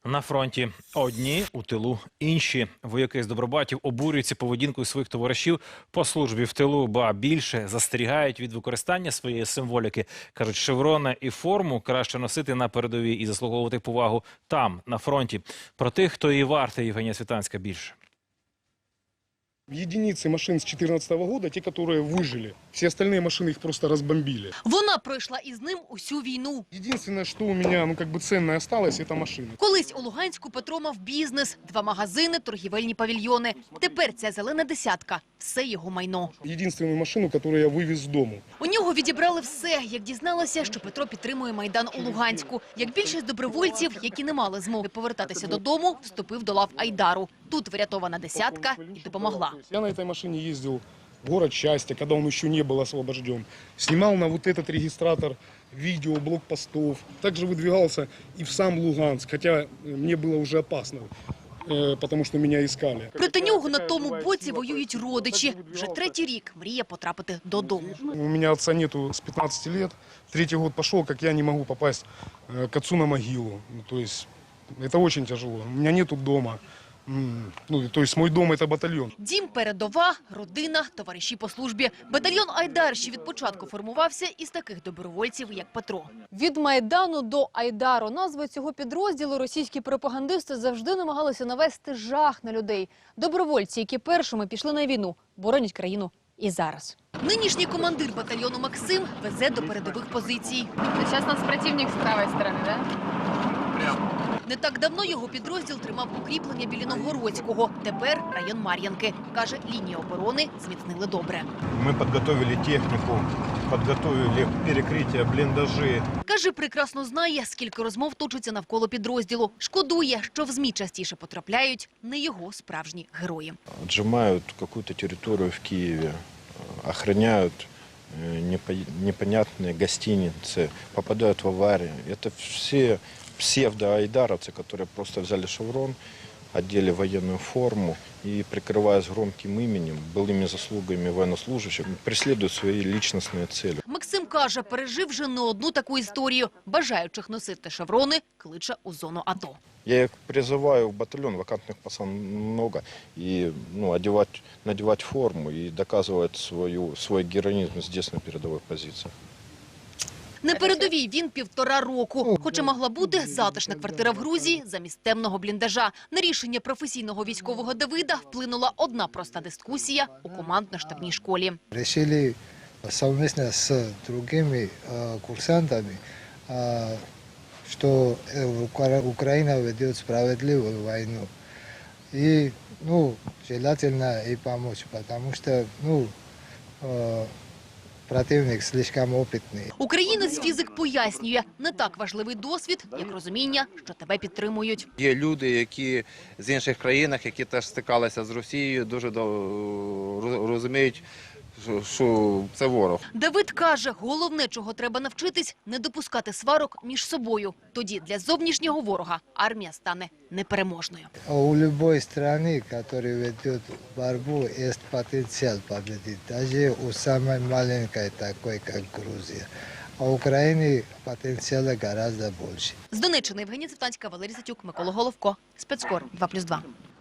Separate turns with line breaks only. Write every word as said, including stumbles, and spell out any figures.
На фронті одні, у тилу інші. Вояки з Добробатів обурюються поведінкою своїх товаришів по службі в тилу, ба більше застерігають від використання своєї символіки. Кажуть, шеврони і форму краще носити на передовій і заслуговувати повагу там, на фронті. Про тих, хто її вартий, Євгенія Світанська, більше.
Единицы машин с две тысячи четырнадцатого года, те, которые выжили. Все остальные машины их просто разбомбили.
Вона пройшла із ним усю війну.
Единственное, что у меня, ну, как бы ценное осталось, это машина.
Колись у Луганську Петро мав бізнес, два магазини, торгівельні павільйони. Тепер ця зелена десятка – все його майно.
Единственную машину, которую я вывез с дому.
У нього відібрали все, як дізналася, що Петро підтримує Майдан у Луганську. Як більшість добровольців, які не мали змоги повертатися додому, вступив до лав Айдару. Тут врятована десятка і допомогла.
Я на этой машине ездил в город Счастья, когда он еще не был освобожден. Снимал на вот этот регистратор видео, блокпостов. Также выдвигался и в сам Луганск, хотя мне было уже опасно, потому что меня искали.
Проти нього на тому боці воюють родичі. Вже третій рік мріє потрапити додому.
У меня отца нету с пятнадцати лет. Третий год пошел, как я не могу попасть к отцу на могилу. То есть это очень тяжело. У меня нету дома. Ну, то есть мой дом – это батальйон.
Дім, передова, родина, товариші по службі. Батальйон «Айдар» ще від початку формувався із таких добровольців, як Петро.
Від Майдану до Айдару. Назви цього підрозділу російські пропагандисти завжди намагалися навести жах на людей. Добровольці, які першими пішли на війну, боронять країну і зараз.
Нинішній командир батальйону Максим везе до передових позицій.
Зараз нас противник з правої сторони, так?
Не так давно його підрозділ тримав укріплення біля Новгородського. Тепер район Мар'янки. Каже, лінію оборони зміцнили добре.
Ми підготовили техніку, підготовили перекриття, бліндажі.
Каже, прекрасно знає, скільки розмов точиться навколо підрозділу. Шкодує, що в ЗМІ частіше потрапляють не його справжні герої.
Віджимають якусь територію в Києві, охороняють непонятні гостиниці, попадають в аварії. Це всі псевдо-айдаровцы, которые просто взяли шеврон, одели военную форму и, прикрываясь громким именем, былыми заслугами военнослужащих, преследуют свои личностные цели.
Максим каже, пережив вже не одну таку історію. Бажаючих носити шеврони кличе у зону АТО.
Я их призываю в батальон, вакантных пацан много, и ну, одевать, надевать форму и доказывать свою, свой героизм здесь на передовой позиции.
На передовій він півтора року. Хоча могла бути затишна квартира в Грузії замість темного бліндажа. На рішення професійного військового Давида вплинула одна проста дискусія у командно-штабній школі.
Решили совместно с другими курсантами, что Украина ведет справедливую войну. И, ну, желательно и помочь, потому что, ну, противник слишком опитний.
Українець фізик пояснює, не так важливий досвід, як розуміння, що тебе підтримують.
Є люди, які з інших країн, які теж стикалися з Росією, дуже розуміють, що це ворог.
Давид каже, головне, чого треба навчитись – не допускати сварок між собою. Тоді для зовнішнього ворога армія стане непереможною.
У будь-якої країни, яка веде боротьбу, є потенціал победити. Навіть у самої маленької, такої, як Грузія. А у України потенціал гораздо більше.
З Донеччини Євгенія Світанська, Валерій Сатюк, Микола Головко. Спецкор два плюс два.